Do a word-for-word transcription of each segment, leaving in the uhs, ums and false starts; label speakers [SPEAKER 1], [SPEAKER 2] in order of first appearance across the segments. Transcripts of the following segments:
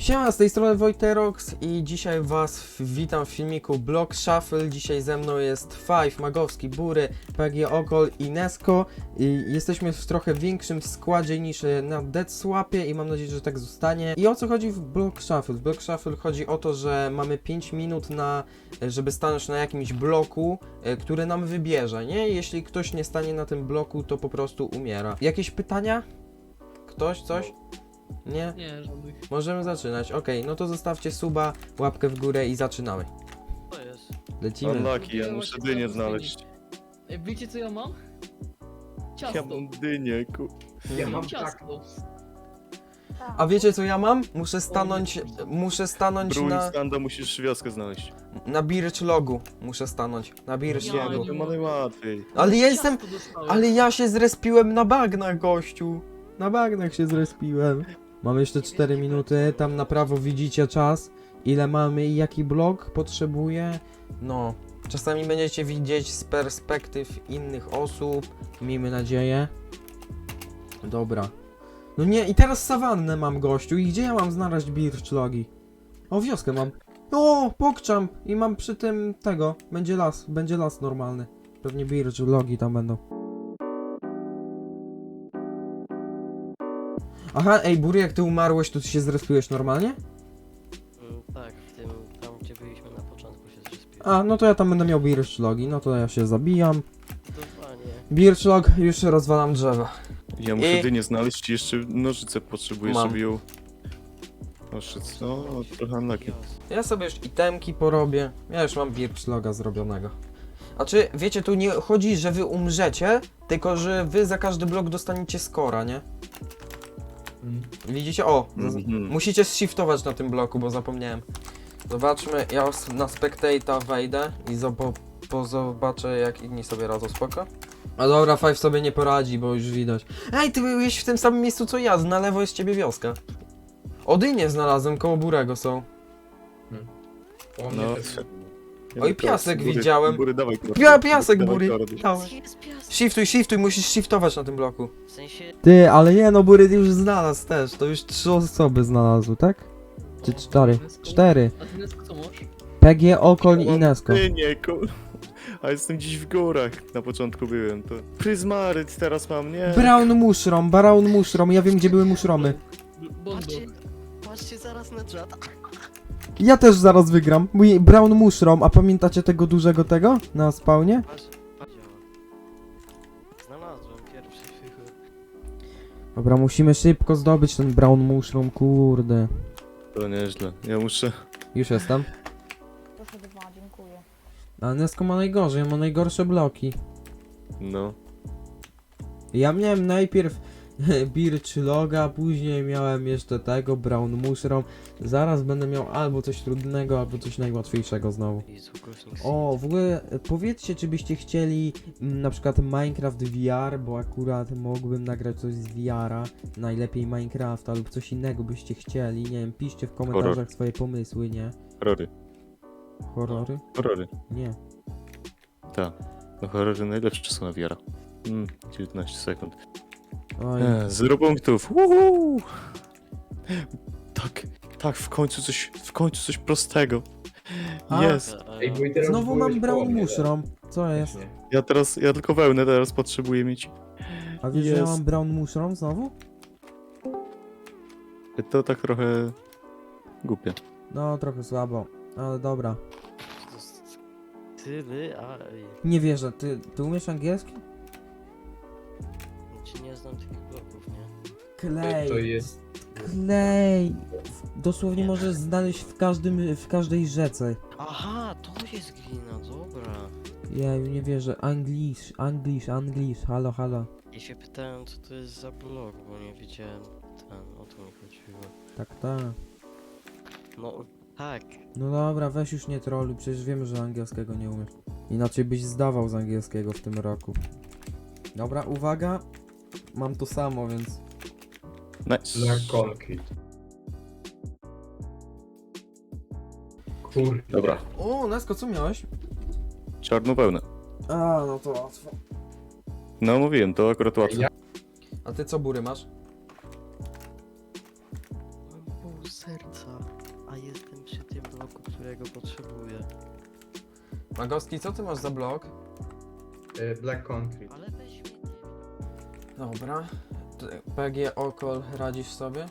[SPEAKER 1] Siema, z tej strony Wojterox i dzisiaj was witam w filmiku Block Shuffle. Dzisiaj ze mną jest Five, Magowski, Bury, P G Okol i Nesko. I jesteśmy w trochę większym składzie niż na Dead Swapie i mam nadzieję, że tak zostanie. I o co chodzi w Block Shuffle? W Block Shuffle chodzi o to, że mamy pięć minut na, żeby stanąć na jakimś bloku, który nam wybierze, nie? Jeśli ktoś nie stanie na tym bloku, to po prostu umiera. Jakieś pytania? Ktoś? Coś? Nie?
[SPEAKER 2] Nie, żadnych.
[SPEAKER 1] Możemy zaczynać. Okej, no to zostawcie suba, łapkę w górę i zaczynamy.
[SPEAKER 2] To jest.
[SPEAKER 1] Lecimy.
[SPEAKER 3] Unlucky, ja muszę dynię znaleźć.
[SPEAKER 2] Ej, wiecie co ja mam?
[SPEAKER 3] Ja
[SPEAKER 2] Ciasto.
[SPEAKER 3] mam dynię, ku...
[SPEAKER 2] Ja
[SPEAKER 1] Mhm.
[SPEAKER 2] mam ciasto.
[SPEAKER 1] A wiecie co ja mam? Muszę stanąć, muszę stanąć
[SPEAKER 3] Brewing
[SPEAKER 1] na,
[SPEAKER 3] standa musisz wioskę znaleźć.
[SPEAKER 1] na birch logu. Muszę stanąć. Na birch
[SPEAKER 2] Ja
[SPEAKER 1] logu.
[SPEAKER 3] To ma najłatwiej.
[SPEAKER 1] Ale ja jestem,
[SPEAKER 2] Ciasto dostałem.
[SPEAKER 1] ale ja się zrespiłem na bagnach, gościu. Na bagnach się zrespiłem. Mamy jeszcze cztery minuty, tam na prawo widzicie czas. Ile mamy i jaki blok potrzebuje. No, czasami będziecie widzieć z perspektyw innych osób. Miejmy nadzieję. Dobra. No nie, i teraz sawannę mam, gościu. I gdzie ja mam znaleźć birch logi? O, wioskę mam. O, pokczam. I mam przy tym tego. Będzie las, będzie las normalny. Pewnie birch logi tam będą. Aha, ej, Bury, jak ty umarłeś, to ty się zrespiłeś normalnie?
[SPEAKER 4] Mm, tak, w tym, tam gdzie byliśmy na początku się zrespiłem.
[SPEAKER 1] A, no to ja tam będę miał birch logi, no to ja się zabijam.
[SPEAKER 4] Dokładnie.
[SPEAKER 1] Birch log, już rozwalam drzewa.
[SPEAKER 3] Ja muszę
[SPEAKER 1] I-
[SPEAKER 3] dynię znaleźć i jeszcze nożyce potrzebuję,
[SPEAKER 1] Mam.
[SPEAKER 3] żeby ją... Nożyc, no, trochę unlucky.
[SPEAKER 1] Ja sobie już itemki porobię. Ja już mam birch loga zrobionego. A czy, wiecie, tu nie chodzi, że wy umrzecie, tylko że wy za każdy blok dostaniecie skora, nie? Widzicie? O! z-
[SPEAKER 3] Mhm.
[SPEAKER 1] Musicie shiftować na tym bloku, bo zapomniałem. Zobaczmy, ja os- na spectator wejdę i zobo- po zobaczę, jak inni sobie radzą, spoko? A dobra, Five sobie nie poradzi, bo już widać. Ej, ty byłeś w tym samym miejscu co ja, na lewo jest ciebie wioska. Odynie znalazłem, koło Burego są.
[SPEAKER 3] No,
[SPEAKER 1] Oj, piasek
[SPEAKER 3] Bury,
[SPEAKER 1] widziałem.
[SPEAKER 3] Bury, dawaj,
[SPEAKER 1] Pia, piasek,
[SPEAKER 3] dawaj,
[SPEAKER 1] Bury.
[SPEAKER 3] kordy.
[SPEAKER 1] Dawaj.
[SPEAKER 4] Jest piasek.
[SPEAKER 1] Shiftuj, shiftuj, musisz shiftować na tym bloku.
[SPEAKER 4] W sensie,
[SPEAKER 1] Ty, ale nie, no Bury już znalazł też, to już trzy osoby znalazły, tak? Czy cztery? Cztery.
[SPEAKER 2] A ty Nesko co masz?
[SPEAKER 1] P G, Okoń i Nesko.
[SPEAKER 3] Dynię, ku... A jestem gdzieś w górach, na początku byłem, to... Pryzmaryt teraz mam, nie?
[SPEAKER 1] Brown mushroom, brown mushroom, ja wiem gdzie były mushromy.
[SPEAKER 2] Bondo.
[SPEAKER 4] patrzcie, patrzcie zaraz na czat.
[SPEAKER 1] Ja też zaraz wygram. Mój brown mushroom, a pamiętacie tego dużego tego? Na spawnie?
[SPEAKER 4] Patrz, patrz, działa. Znalazłem pierwszy fichur.
[SPEAKER 1] Dobra, musimy szybko zdobyć ten brown mushroom, kurde.
[SPEAKER 3] To nieźle, ja muszę...
[SPEAKER 1] Już jestem.
[SPEAKER 5] Proszę dwa, dziękuję.
[SPEAKER 1] A Nesko ma najgorzej, ma najgorsze bloki.
[SPEAKER 3] No.
[SPEAKER 1] Ja miałem najpierw birch loga, później miałem jeszcze tego, brown mushroom. Zaraz będę miał albo coś trudnego, albo coś najłatwiejszego znowu.
[SPEAKER 4] Jezu, głośnik
[SPEAKER 1] O, w ogóle e, powiedzcie, czy byście chcieli mm, na przykład Minecraft V R, bo akurat mógłbym nagrać coś z V R-a, najlepiej Minecrafta lub coś innego byście chcieli, nie wiem, piszcie w komentarzach
[SPEAKER 3] Horror.
[SPEAKER 1] swoje pomysły, nie?
[SPEAKER 3] Horrory.
[SPEAKER 1] Horrory?
[SPEAKER 3] Horrory.
[SPEAKER 1] Nie.
[SPEAKER 3] Tak. No horrory najlepsze są na wiara. Mm, dziewiętnaście sekund.
[SPEAKER 1] Oj,
[SPEAKER 3] E, zero punktów. Uhu! Tak, tak, w końcu coś, w końcu coś prostego.
[SPEAKER 1] A.
[SPEAKER 3] Jest.
[SPEAKER 4] Ej,
[SPEAKER 1] znowu mam brown mushroom. Co jest?
[SPEAKER 3] Ja teraz, ja tylko wełnę teraz potrzebuję mieć.
[SPEAKER 1] A wiesz, że ja
[SPEAKER 3] Jest.
[SPEAKER 1] mam brown mushroom znowu?
[SPEAKER 3] To tak trochę głupie.
[SPEAKER 1] No, trochę słabo, ale dobra.
[SPEAKER 4] Tyle, a... ej,
[SPEAKER 1] Nie wierzę, ty, ty umiesz angielski?
[SPEAKER 4] Czy nie znam tych bloków, nie?
[SPEAKER 1] Klej.
[SPEAKER 6] To jest...
[SPEAKER 1] Klej. Dosłownie możesz znaleźć w każdym, w każdej rzece.
[SPEAKER 4] Aha, to jest glina, dobra.
[SPEAKER 1] Ja nie wierzę. Anglish, Anglish, Anglish, halo, halo.
[SPEAKER 4] Ja się pytałem, co to jest za blok, bo nie wiedziałem ten, o to mi chodziło.
[SPEAKER 1] Tak, tak.
[SPEAKER 4] No, tak.
[SPEAKER 1] No dobra, weź już nie troluj, przecież wiemy, że angielskiego nie umiesz. Inaczej byś zdawał z angielskiego w tym roku. Dobra, uwaga. Mam to samo, więc...
[SPEAKER 3] Nice.
[SPEAKER 6] Na concrete. Kurde.
[SPEAKER 3] Dobra.
[SPEAKER 1] O, Nesko, co miałeś?
[SPEAKER 3] Czarną wełnę.
[SPEAKER 1] A, no to łatwo.
[SPEAKER 3] No mówiłem, to akurat łatwo.
[SPEAKER 6] Ja-
[SPEAKER 1] A ty co, Bury, masz?
[SPEAKER 4] Mam pół serca. diaksa, a jestem przy tym bloku, którego potrzebuję.
[SPEAKER 1] Magowski, co ty masz za blok?
[SPEAKER 6] Y, Black Concrete.
[SPEAKER 4] Ale weź mnie, nie wiem.
[SPEAKER 1] Dobra. T- P G Okol, radzisz sobie?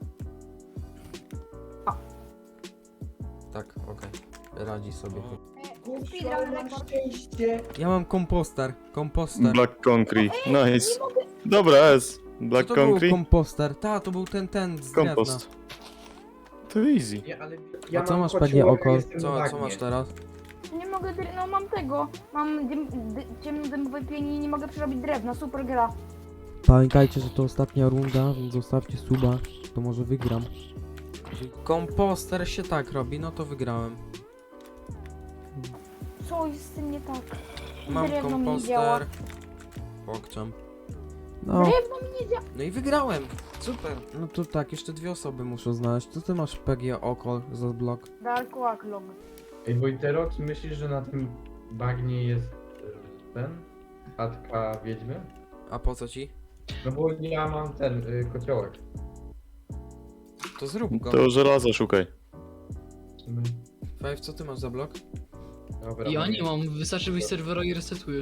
[SPEAKER 1] Tak, okej. Radzi sobie.
[SPEAKER 5] Speedrun rekord.
[SPEAKER 1] Ja mam komposter. Komposter.
[SPEAKER 3] Black Concrete. Nice.
[SPEAKER 5] Nie mogę.
[SPEAKER 3] Dobra, S.
[SPEAKER 1] Co
[SPEAKER 3] Black
[SPEAKER 1] to był
[SPEAKER 3] Concrete.
[SPEAKER 1] komposter? Ta, to był ten, ten z drewna.
[SPEAKER 3] Kompost. To easy.
[SPEAKER 6] Nie, ale
[SPEAKER 1] A co
[SPEAKER 6] mam
[SPEAKER 1] masz
[SPEAKER 6] kociołek,
[SPEAKER 1] P G
[SPEAKER 6] a
[SPEAKER 1] Okol?
[SPEAKER 6] jestem na
[SPEAKER 1] Co, co
[SPEAKER 6] bagnie.
[SPEAKER 1] masz teraz?
[SPEAKER 5] Nie mogę, dre- no mam tego. Mam dym, dy, ciemnodymowe pieni i nie mogę przerobić drewna. Super gra.
[SPEAKER 1] Pamiętajcie, że to ostatnia runda, więc zostawcie suba, to może wygram. Komposter się tak robi, no to wygrałem.
[SPEAKER 5] Co jest z tym nie tak?
[SPEAKER 1] Mam
[SPEAKER 5] Drewno mi nie działa.
[SPEAKER 1] komposter. Pokczam. No,
[SPEAKER 5] Drewno mi nie działa.
[SPEAKER 1] no i wygrałem. Super. No to tak, jeszcze dwie osoby muszę znaleźć. Co ty masz P G Okol za blok?
[SPEAKER 5] Dark Log.
[SPEAKER 6] Ej, Wojterox, myślisz, że na tym bagnie jest y, ten? Chatka wiedźmy?
[SPEAKER 1] A po co ci?
[SPEAKER 6] No bo ja mam ten y, kociołek.
[SPEAKER 1] To zrób go.
[SPEAKER 3] To żelaza szukaj.
[SPEAKER 6] W sumie.
[SPEAKER 1] Five, co ty masz za blok?
[SPEAKER 6] Dobra,
[SPEAKER 2] Ja
[SPEAKER 6] mogę.
[SPEAKER 2] nie mam, wystarczy wyjść z serwera i resetuję.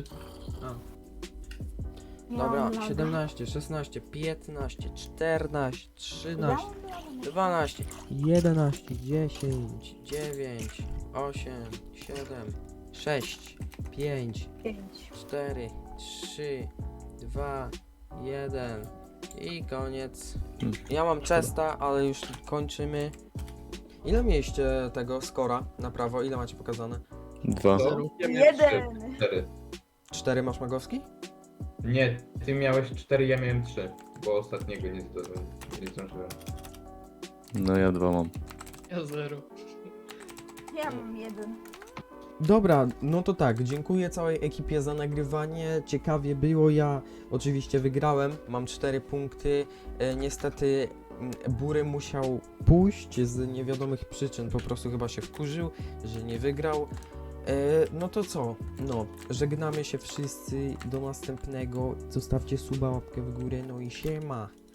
[SPEAKER 5] Nie
[SPEAKER 1] Dobra,
[SPEAKER 5] mam laga.
[SPEAKER 1] siedemnaście, szesnaście, piętnaście, czternaście, trzynaście,
[SPEAKER 5] Dałem?
[SPEAKER 1] dwanaście, jedenaście, dziesięć, dziewięć, osiem, siedem, sześć, pięć,
[SPEAKER 5] Pięć.
[SPEAKER 1] cztery, trzy, dwa, jeden i koniec. Ja mam chesta, ale już kończymy. Ile mieliście tego skora na prawo? Ile macie pokazane?
[SPEAKER 3] Dwa.
[SPEAKER 6] To? Ja miałem
[SPEAKER 5] Jeden.
[SPEAKER 6] trzy, cztery.
[SPEAKER 1] cztery masz Magowski?
[SPEAKER 6] Nie, ty miałeś cztery, ja miałem trzy, bo ostatniego nie zdążyłem. Nie zdążyłem.
[SPEAKER 3] No ja dwa mam.
[SPEAKER 2] Ja zero.
[SPEAKER 5] Ja mam jeden.
[SPEAKER 1] Dobra, no to tak, dziękuję całej ekipie za nagrywanie, ciekawie było, ja oczywiście wygrałem, mam cztery punkty, e, niestety mm, Bury musiał pójść z niewiadomych przyczyn, po prostu chyba się wkurzył, że nie wygrał. E, no to co, no, żegnamy się wszyscy, do następnego, zostawcie suba, łapkę w górę, no i siema.